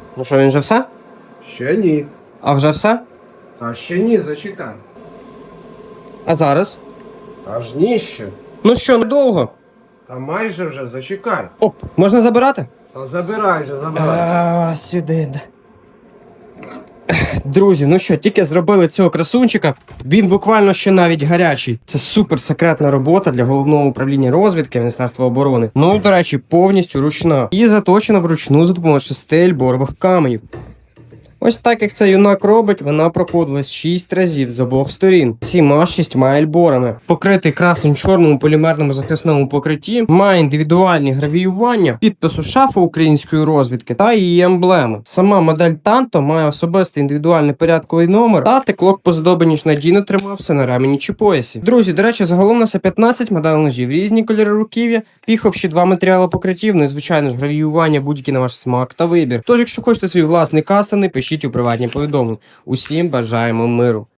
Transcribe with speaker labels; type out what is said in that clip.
Speaker 1: Ну що, він вже все?
Speaker 2: Ще ні.
Speaker 1: А вже все?
Speaker 2: Та ще ні, зачекай.
Speaker 1: А зараз?
Speaker 2: Аж ні ще.
Speaker 1: Ну що, недовго?
Speaker 2: Та майже вже зачекай.
Speaker 1: Оп, можна забирати?
Speaker 2: Та забирай вже, забирай.
Speaker 1: Сюди. Друзі, ну що, тільки зробили цього красунчика. Він буквально ще навіть гарячий. Це супер секретна робота для головного управління розвідки Міністерства оборони. Ну, до речі, повністю ручна. І заточена вручну за допомогою 6 ельборових каменів. Ось так як це юнак робить, вона проходилась 6 разів з обох сторін, всіма 6 ельборами. Покритий красим чорному полімерному захисному покритті, має індивідуальні гравіювання, підпису шафи української розвідки та її емблеми. Сама модель Танто має особистий індивідуальний порядковий номер та теклок поздобаніч надійно тримався на ремені чи поясі. Друзі, до речі, загалом у нас є 15 моделей ножів, різні кольори руків'я, піховші 2 матеріали покриттів, ну і звичайно ж гравіювання будь-які на ваш смак та вибір. Тож, якщо хочете свій власний кастомний, пишіть у приватні повідомлення. Усім бажаємо миру.